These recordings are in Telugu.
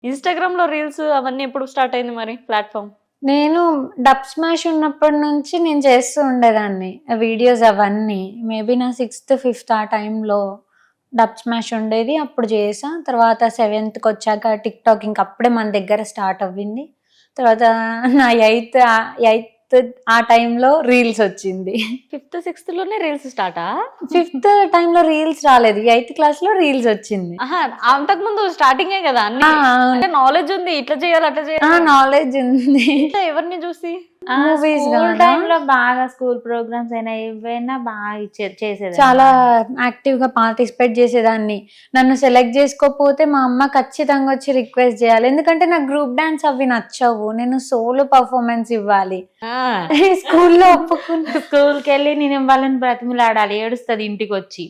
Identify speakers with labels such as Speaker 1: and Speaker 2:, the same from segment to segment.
Speaker 1: ఇన్‌స్టాగ్రామ్‌లో రీల్స్ అవన్నీ ఎప్పుడు స్టార్ట్ అయింది మరి ప్లాట్‌ఫార్మ్?
Speaker 2: నేను డబ్ స్మాష్ ఉన్నప్పటి నుంచి నేను చేస్తూ ఉండేదాన్ని వీడియోస్ అవన్నీ. మేబీ నా 6థ్, 5థ్ ఆ టైంలో డబ్ స్మాష్ ఉండేది. అప్పుడు చేశా. తర్వాత 7థ్‌కొచ్చాక టిక్‌టాక్ ఇంక అప్పుడే మన దగ్గర స్టార్ట్ అవ్వింది. తర్వాత నా 8థ్ ఆ టైంలో రీల్స్ వచ్చింది.
Speaker 1: 5థ్, 6థ్‌లోనే రీల్స్ స్టార్టా?
Speaker 2: 5థ్ టైంలో రీల్స్ రాలేదు. 8థ్ క్లాస్‌లో రీల్స్ వచ్చింది.
Speaker 1: ఆహా! అంతకుముందు స్టార్టింగే కదా అన్నీ.
Speaker 2: అవును.
Speaker 1: అంటే నాలెడ్జ్ ఉంది. ఇట్లా చేయాలి, అట్లా చేయాలి.
Speaker 2: నాలెడ్జ్ ఉంది.
Speaker 1: ఇట్లా ఎవరిని చూసి?
Speaker 2: మూవీస్
Speaker 3: స్కూల్
Speaker 2: గానా?
Speaker 3: టైంలో బాగా స్కూల్ ప్రోగ్రామ్స్ అయినా ఏవైనా బాగా చేసేది.
Speaker 2: చాలా యాక్టివ్‌గా పార్టిసిపేట్ చేసేదాన్ని. నన్ను సెలెక్ట్ చేసుకోకపోతే మా అమ్మ ఖచ్చితంగా వచ్చి రిక్వెస్ట్ చేయాలి. ఎందుకంటే నాకు గ్రూప్ డాన్స్ అవి నచ్చవు. నేను సోలో పర్ఫార్మెన్స్ ఇవ్వాలి.
Speaker 1: ఆ!
Speaker 2: స్కూల్‌లో ఒప్పుకున్నా.
Speaker 3: స్కూల్కి వెళ్ళి నేను వాళ్ళని బ్రతిమిలాడాలి, ఏడుస్తుంది ఇంటికి వచ్చి.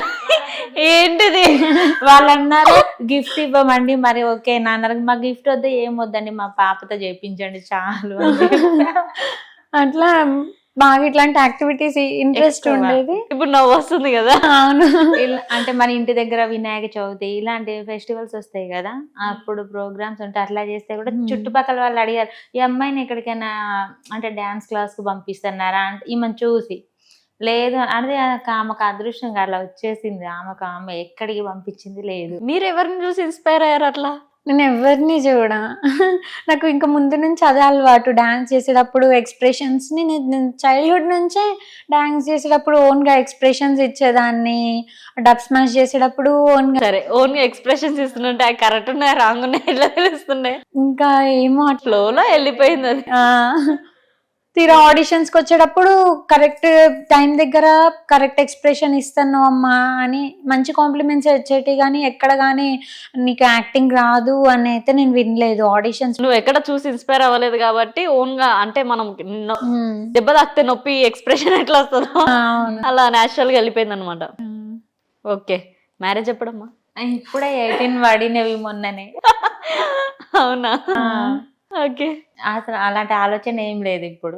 Speaker 1: ఏంటిది?
Speaker 3: వాళ్ళు అన్నారు గిఫ్ట్ ఇవ్వమండి. మరి ఓకే నాన్న, మా గిఫ్ట్ వద్దు ఏం వద్దండి, మా పాపతో చేయించండి చాలు అని చెప్పా.
Speaker 2: అట్లా బాగా ఇట్లాంటి యాక్టివిటీస్ ఇంట్రెస్ట్
Speaker 3: ఎక్కువ.
Speaker 2: ఉండేది.
Speaker 1: ఇప్పుడు నవ్వు వస్తుంది కదా.
Speaker 2: అవును.
Speaker 3: అంటే మన ఇంటి దగ్గర వినాయక చవితి ఇలాంటి ఫెస్టివల్స్ వస్తాయి కదా, అప్పుడు ప్రోగ్రామ్స్ ఉంటే అట్లా చేస్తే కూడా చుట్టుపక్కల వాళ్ళు అడిగారు, ఈ అమ్మాయిని ఎక్కడికైనా అంటే డాన్స్ క్లాస్ కు పంపిస్తున్నారా అంటే ఈమెను చూసి, లేదు అదే ఆమెకు అదృష్టం అట్లా వచ్చేసింది. ఆమె ఎక్కడికి పంపించింది లేదు.
Speaker 1: మీరు ఎవరిని చూసి ఇన్‌స్పైర్ అయ్యారు అట్లా?
Speaker 2: నేను ఎవరిని చూడా. నాకు ఇంకా ముందు నుంచి అదే అలవాటు. డాన్స్ చేసేటప్పుడు ఎక్స్‌ప్రెషన్స్‌ని నేను చైల్డ్‌హుడ్ నుంచే డాన్స్ చేసేటప్పుడు ఓన్‌గా ఎక్స్‌ప్రెషన్స్ ఇచ్చేదాన్ని. డబ్ స్మాష్ చేసేటప్పుడు ఓన్‌గా
Speaker 1: సరే, ఓన్‌గా ఎక్స్‌ప్రెషన్స్ ఇస్తుంటే అవి కరెక్ట్ ఉన్నాయా, రాంగ్ ఉన్నాయా ఎట్లా తెలుస్తున్నాయి?
Speaker 2: ఇంకా ఏమో అట్లా.
Speaker 1: ఫ్లోలో వెళ్ళిపోయింది అది.
Speaker 2: తీరా ఆడిషన్స్‌కి వచ్చేటప్పుడు కరెక్ట్ టైం దగ్గర కరెక్ట్ ఎక్స్‌ప్రెషన్ ఇస్తాను అమ్మా అని మంచి కాంప్లిమెంట్స్ వచ్చేటివి గానీ, ఎక్కడ గానీ నీకు యాక్టింగ్ రాదు అని అయితే నేను వినలేదు ఆడిషన్స్.
Speaker 1: నువ్వు ఎక్కడ చూసి ఇన్‌స్పైర్ అవ్వలేదు కాబట్టి ఓన్‌గా అంటే మనం దెబ్బ తాకితే నొప్పి ఎక్స్‌ప్రెషన్ ఎట్లా వస్తదో
Speaker 2: అవును.
Speaker 1: అలా నేచురల్‌గా వెళ్ళిపోయిందన్నమాట. ఓకే. మ్యారేజ్ ఎప్పుడమ్మా?
Speaker 3: ఇప్పుడే 18 పడినవి మొన్ననే.
Speaker 1: అవునా? ఓకే.
Speaker 3: అసలు అలాంటి ఆలోచన ఏం లేదు ఇప్పుడు.